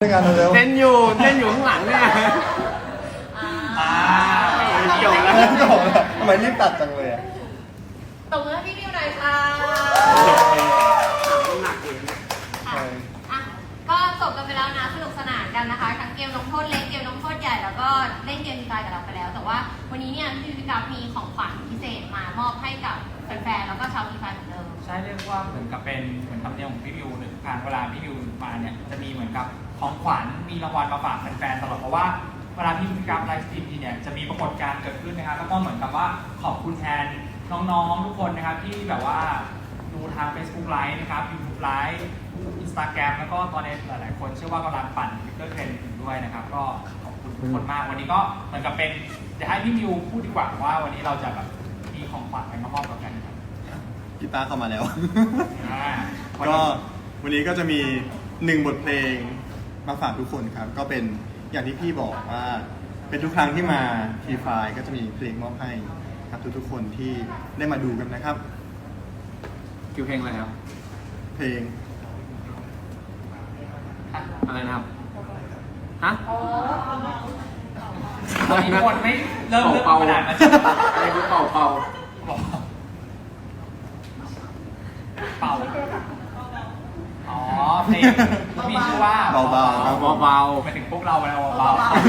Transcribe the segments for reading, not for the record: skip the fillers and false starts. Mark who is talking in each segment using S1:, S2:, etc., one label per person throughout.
S1: งานเร็ว
S2: เต้นอยู่ข้างหลังเนี่ยจบแล้ว
S1: จบแล้วทำไมรีบตัดจังเลยอ่ะ
S3: ตบมือให้พี่มิวหน่อยค่ะ
S2: หนักเอง
S3: อ่ะก็จบกันไปแล้วนะสนุกสนานกันนะคะทั้งเกมลงโทษเล็กเกมลงโทษใหญ่แล้วก็เล่นเกมดีไซน์กับเราไปแล้ว แต่ว่าวันนี้เนี่ยพี่พิการมีของขวัญพิเศษมามอบให้กับแฟนๆแล้วก็ชาวดีไซน์เหมือนเดิม
S4: ใช่เรียกว่าเหมือนกับเป็นเหมือนธรรมเนียมของพี่วิวหรือการเวลาพี่วิวมาเนี่ยจะมีเหมือนกับของขวัญมีรางวัลมาฝากแฟนๆตลอดเพราะว่าเวลาพี่วิวกราฟไลฟ์สตรีมทีเนี่ยจะมีปรากฏการณ์เกิดขึ้นนะครับแล้วก็เหมือนกับว่าขอบคุณแทนน้องๆทุกคนนะครับที่แบบว่าดูทาง Facebook Live นะครับ YouTube Live Instagram แล้วก็ตอนนี้หลายๆคนเชื่อว่ากำลังปั่น Twitter Trend อยู่ด้วยนะครับก็ขอบคุณทุกคนมากวันนี้ก็เหมือนกับเป็นจะให้พี่วิวพูดดีกว่าว่าวันนี้เราจะแบบมีของขวัญอะไรมามอบกับกันครับ
S1: กีตาร์เข้ามาแล้ว
S4: ก็
S1: ก็วันนี้ก็จะมี1บทเพลงมาฝากทุกคนครับ ก็เป็นอย่างที่พี่บอกว่าเป็นทุกครั้งที่มาทีไฟก็จะมีเพลงมอบให้ครับทุกๆคนที่ได้มาดูกันนะครับ
S2: คิวเพลงอะไรครับ
S1: เพลง
S2: อะไรนะครับฮะ
S4: ตอนนี้คนไม่เริ่ม
S2: เป่า
S4: ขนาดนั้น
S2: อะไรคือเป่า
S4: เป่าอ๋อเพลงมีชื่อว่า
S1: เบาๆครับ
S2: เบา
S4: หมายถึงพวกเราแล้วเบา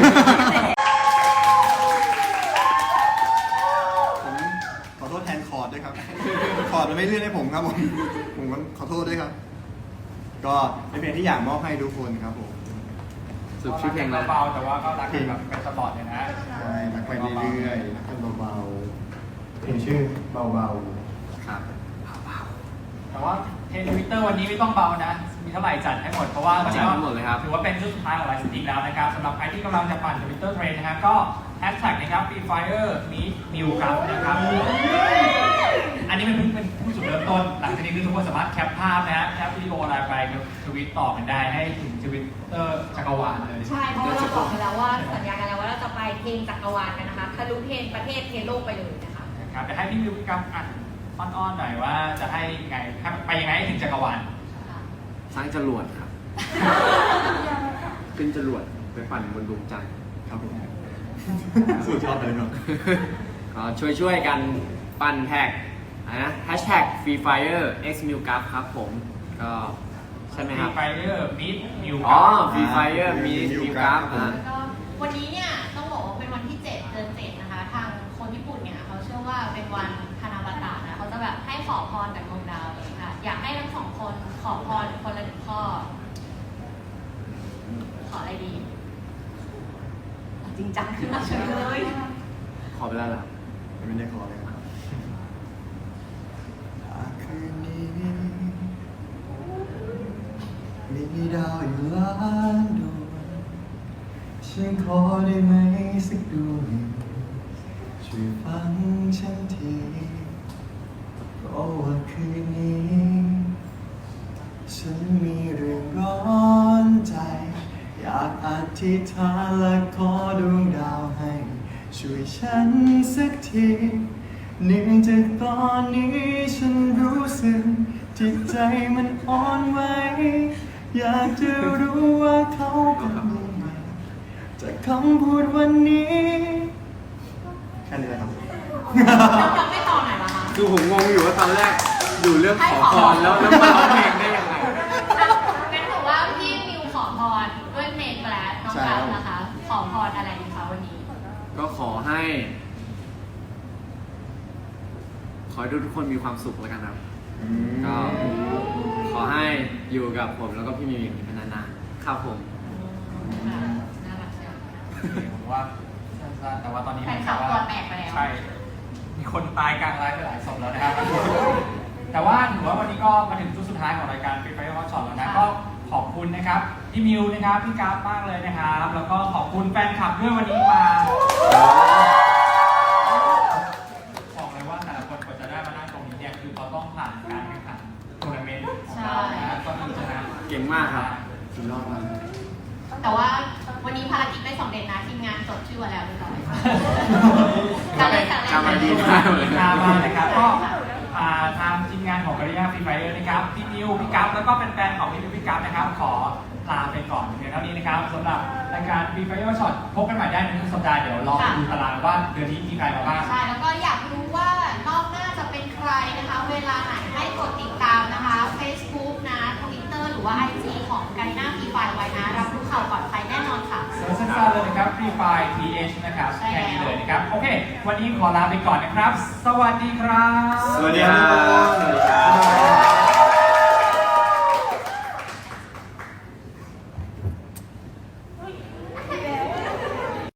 S1: ผมขอโทษแทนคอร์ดด้วยครับ คอร์ดมันไม่เลื่อนให้ผมครับผมก็ขอโทษด้วยครับ ก็เป็นเพลงที่อยากมอบให้ทุกคนครับผม
S2: สุดชื่อเพลงอะไร
S4: เบาๆแต่ว่าก็รักกันแบบเป็นตลอดเลยนะ
S1: ใช่รักไปเรื่อยๆรักกันเบาๆเพลงชื่อเบา
S2: ครับ
S4: แต่ว่าเทรนด์ Twitter วันนี้ไม่ต้องเบานะ มีเท่าไหร่จัดให้หมดเพราะว่า
S2: จัดให้หมดเลยครับ
S4: ถือว่าเป็นช่วงสุดท้ายของไลฟ์สตรีมแล้วนะครับสำหรับใครที่กำลังจะปั่น Twitter Trend นะครับก็แฮชแท็กนะครับ Free Fire Meet New ครับนะครับ อันนี้เป็นผู้จุดเริ่มต้น หลังจากนี้คือทุกคนสามารถแคปภาพนะฮะแคปวิดีโออะไรไปทวิตต่อกันได้ให้ถึง Twitter จักรวาลเลย
S3: ใช่เพราะว่าเราบอกไปแล้วว่าสัญญากันแล้วว่าเราจะไปเพลงจักรวาลกันนะคะทะลุเพลงประเทศเทโลกไปเลยนะคะ
S4: ครับจะให้พี่วิวกับอ่านอ้อนๆหน่อยว่าจะให้ไงไปยังไงให้ถึงจักรวาล
S2: สร้างจรวดครับ ขึ้นจรวดไปปั่นบนดวงจันทร์
S1: ๆครับผมสุดยอดไปเลยครับ
S2: ก็ช่วยกันปั่นแท็กนะแฮชแท็ก Free Fire X m i l g r a p ครับผมก็ใช่ไหมครับ
S4: Free Fire Meet New
S2: อ๋อ Free Fire มี m i l g r a p
S3: ก็วันนี้เนี่ยต้องบอกว่าเป็นวันที่ 7 เดือน 7 นะคะ ทางคนญี่ปุ่นเนี่ยเขาเชื่อว่าเป็นวันฮานาบาตะนะเขาจะแบบให้ขอพรจากดวงดาวเลยค่ะ อยากให้ทั้งสองคนขอพรคนละ1 ข้อ ขออะไรดี จริงจังขึ้นมาเฉยเลย
S2: ขอไปแล้วเหรอ
S1: ไม่ได้ขอเลยครับคืนนี้มีดาวอยู่ล้านดวงฉันขอได้ไหมสักดวงช่วยฟังฉันทีเพราะว่าคืนนี้ฉันมีเรื่องร้อนใจอยากอธิษฐานและขอดวงดาวให้ช่วยฉันสักทีเนื่องจากตอนนี้ฉันรู้สึกจิตใจมันอ่อนไหวอยากจะรู้ว่าเขาเป็นยังไงจากคำพูดวันนี้แค่นี้แหละครับ
S3: ยังไม่ต่อไหนล่ะคะ
S2: คือผมงงอยู่ว่าตอนแรกอยู่เรื่องขอพรแล้วมาร้องเพลงได้ยังไง
S3: งั้นถือว่าพี่มิวขอพรด้วยเพลงไปแล้วน้องกัฟนะคะ ขอพรอะไรดีคะวันนี้
S2: ก็ขอให้ทุกคนมีความสุขแล้วกันครับ ก็ขอให้อยู่กับผมแล้วก็พี่มิวอย่างนี้เป็นนานๆครับผม
S3: น่ารักเชียว
S4: ผมว่าสั้นๆแต่ว่าตอนนี้
S3: แฟนคลับตัวแตกไปแล้ว
S4: ใช่ มีคนตายกลางไลฟ์ไปหลายศพแล้วนะครับ แต่ว่าถือว่าวันนี้ก็มาถึงจุดสุดท้ายของรายการ Free Fire Hot Shot แล้วนะ ก็ขอบคุณนะครับพี่มิวนะครับพี่กราฟมากเลยนะครับ แล้วก็ขอบคุณแฟนคลับด้วยวันนี้มาบอกเลยว่าแต่ละคนกว่าจะได้มานั่งตรงนี้เนี่ยคือเขาต้องผ่านการแข่งขันทัวร์นาเมนต์ของเรานะก็คือชนะ
S2: เก่งมากครับ
S1: สุดยอดมาก
S3: แต่ว่าวันนี้ภารกิจไม่สำเร็จนะทีมงานจดชื่อไว้แล้วเรียบร้อยการเล่นการเล่น
S2: จำมาดีมากเลย
S4: มานะครับก็ทางทีมงานของการิยาฟรีไฟเออร์นะครับพี่มิวพี่กัฟแล้วก็เป็นแฟนของพี่มิวพี่กัฟนะครับขอลาไปก่อนเพียงเท่านี้นะครับสำหรับรายการFree Fire Shot พบกันใหม่ได้ในทุกสัปดาห์เดี๋ยวลองดูตารางว่าเดือนนี้มีใครมาบ้าง
S3: ใช่แล้วก็อยากรู้ว่ารอบหน้าจะเป็นใครนะคะ เวลาไหนให้กดติดตามนะคะ Facebook นะ Twitter หรือว่า IG ของกันหน้าฟรีไฟไว้นะรับรู้ข่าวก่อนใครแน่นอนค่ะ
S4: เซิร์ชสั้นๆเลยนะครับ Free Fire TH นะครับ
S3: ใช่แล้ว
S4: แค่นี้เลยนะครับ โอเค วันนี้ขอลาไปก่อนนะครับ สวัสดีครับ
S1: สวัสดีครับ